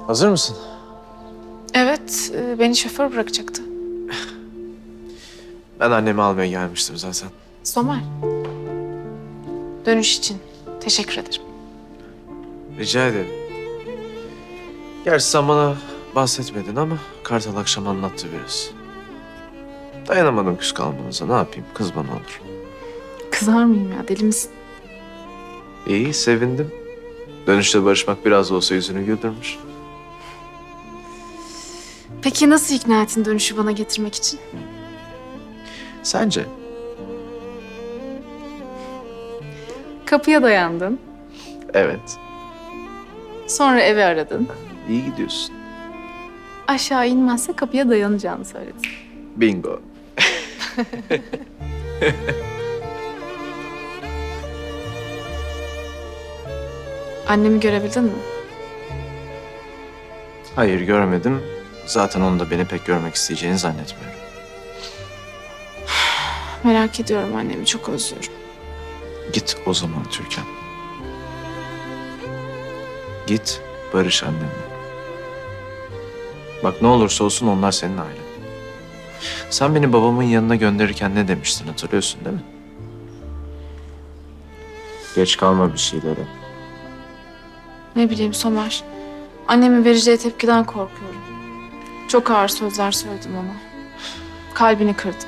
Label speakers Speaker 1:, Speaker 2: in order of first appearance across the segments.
Speaker 1: Hazır mısın?
Speaker 2: Evet, beni şoför bırakacaktı.
Speaker 1: Ben annemi almaya gelmiştim zaten.
Speaker 2: Somer. Dönüş için teşekkür ederim.
Speaker 1: Rica ederim. Gerçi sen bana bahsetmedin ama Kartal akşam anlattı biraz. Dayanamadım küs kalmanıza. Ne yapayım? Kız bana olur.
Speaker 2: Kızar mıyım ya? Deli misin?
Speaker 1: İyi, sevindim. Dönüşte barışmak biraz da olsa yüzünü güldürmüş.
Speaker 2: Peki nasıl ikna ettin dönüşü bana getirmek için?
Speaker 1: Sence?
Speaker 2: Kapıya dayandın.
Speaker 1: Evet.
Speaker 2: Sonra evi aradın.
Speaker 1: İyi gidiyorsun.
Speaker 2: Aşağı inmezse kapıya dayanacağını söyledin.
Speaker 1: Bingo.
Speaker 2: Annemi görebildin mi?
Speaker 1: Hayır, görmedim. Zaten onun da beni pek görmek isteyeceğini zannetmiyorum.
Speaker 2: Merak ediyorum annemi, çok özlüyorum.
Speaker 1: Git o zaman Türkan. Git, barış annenle. Bak ne olursa olsun onlar senin ailen. Sen beni babamın yanına gönderirken ne demiştin hatırlıyorsun değil mi? Geç kalma bir şeylere.
Speaker 2: Ne bileyim Somer. Annemin vereceği tepkiden korkuyorum. Çok ağır sözler söyledim ona. Kalbini kırdım.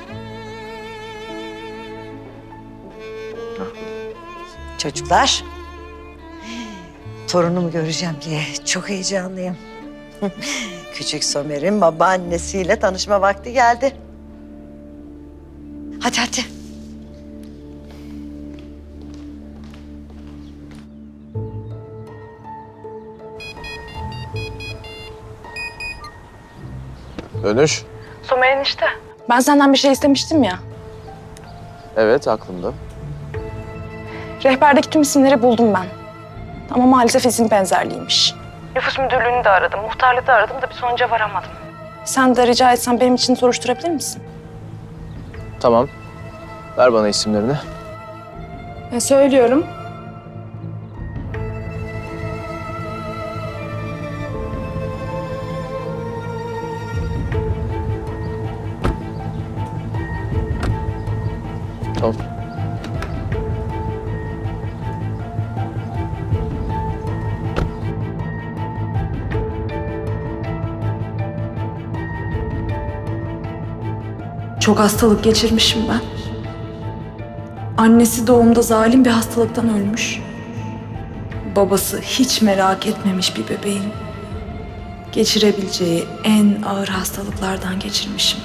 Speaker 3: Çocuklar, torunumu göreceğim diye çok heyecanlıyım. Küçük Somer'in babaannesiyle tanışma vakti geldi. Hadi hadi.
Speaker 1: Dönüş.
Speaker 4: Somer enişte. Ben senden bir şey istemiştim ya.
Speaker 1: Evet, aklımda.
Speaker 4: Rehberdeki tüm isimleri buldum ben. Ama maalesef isim benzerliğiymiş. Nüfus müdürlüğünü de aradım, muhtarlığı da aradım da bir sonuca varamadım. Sen de rica etsen benim için soruşturabilir misin?
Speaker 1: Tamam. Ver bana isimlerini.
Speaker 4: Söylüyorum.
Speaker 1: Tamam.
Speaker 5: Çok hastalık geçirmişim ben. Annesi doğumda zalim bir hastalıktan ölmüş. Babası hiç merak etmemiş bir bebeğin geçirebileceği en ağır hastalıklardan geçirmişim.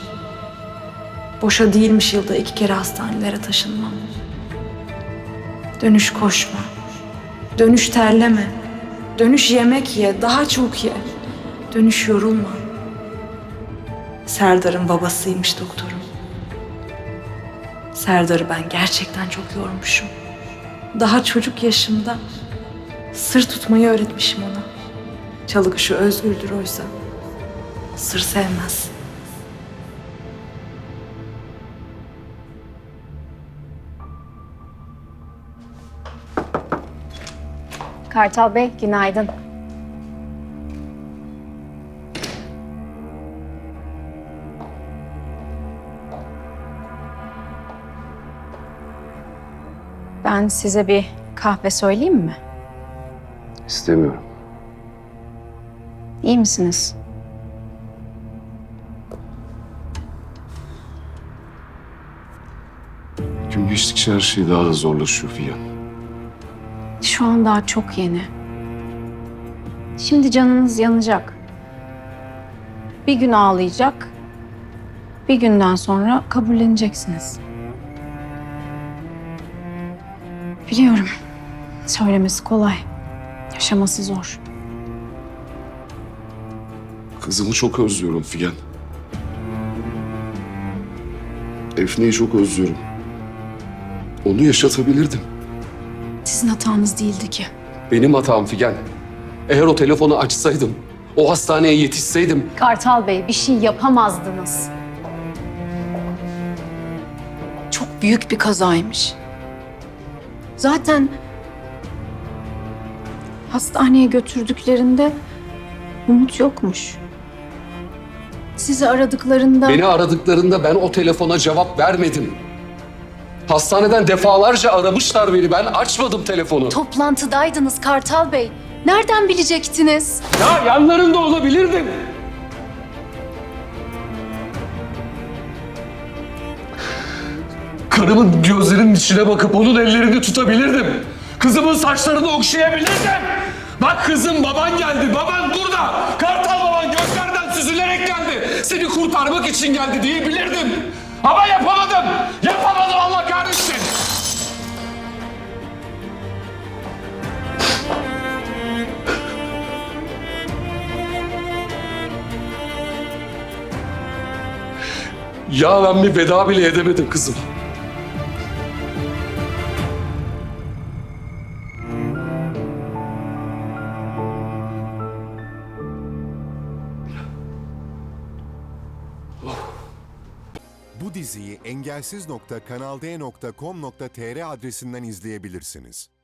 Speaker 5: Boşa değilmiş yılda 2 kere hastanelere taşınmam. Dönüş koşma. Dönüş terleme. Dönüş yemek ye, daha çok ye. Dönüş yorulma. Serdar'ın babasıymış doktorum. Serdar'ı ben gerçekten çok yormuşum. Daha çocuk yaşımda sır tutmayı öğretmişim ona. Çalı kuşu özgürdür oysa. Sır sevmez.
Speaker 6: Kartal Bey, günaydın. Ben size bir kahve söyleyeyim mi?
Speaker 7: İstemiyorum.
Speaker 6: İyi misiniz?
Speaker 7: Gün geçtikçe her şey daha da zorlaşıyor Figen.
Speaker 6: Şu an daha çok yeni. Şimdi canınız yanacak. Bir gün ağlayacak. Bir günden sonra kabulleneceksiniz. Biliyorum. Söylemesi kolay. Yaşaması zor.
Speaker 7: Kızımı çok özlüyorum Figen. Efne'yi çok özlüyorum. Onu yaşatabilirdim.
Speaker 6: Sizin hatanız değildi ki.
Speaker 7: Benim hatam Figen. Eğer o telefonu açsaydım, o hastaneye yetişseydim...
Speaker 6: Kartal Bey, bir şey yapamazdınız. Çok büyük bir kazaymış. Zaten hastaneye götürdüklerinde Umut yokmuş. Sizi aradıklarında...
Speaker 7: Beni aradıklarında ben o telefona cevap vermedim. Hastaneden defalarca aramışlar beni. Ben açmadım telefonu.
Speaker 6: Toplantıdaydınız Kartal Bey. Nereden bilecektiniz?
Speaker 7: Ya yanlarında olabilirdim. Karımın gözlerinin içine bakıp onun ellerini tutabilirdim. Kızımın saçlarını okşayabilirdim. Bak kızım, baban geldi. Baban burada. Kartal baban göklerden süzülerek geldi. Seni kurtarmak için geldi diyebilirdim. Ama yapamadım. Yapamadım, Allah kahretsin. Ya ben bir veda bile edemedim kızım.
Speaker 8: Bu diziyi engelsiz.kanalde.com.tr adresinden izleyebilirsiniz.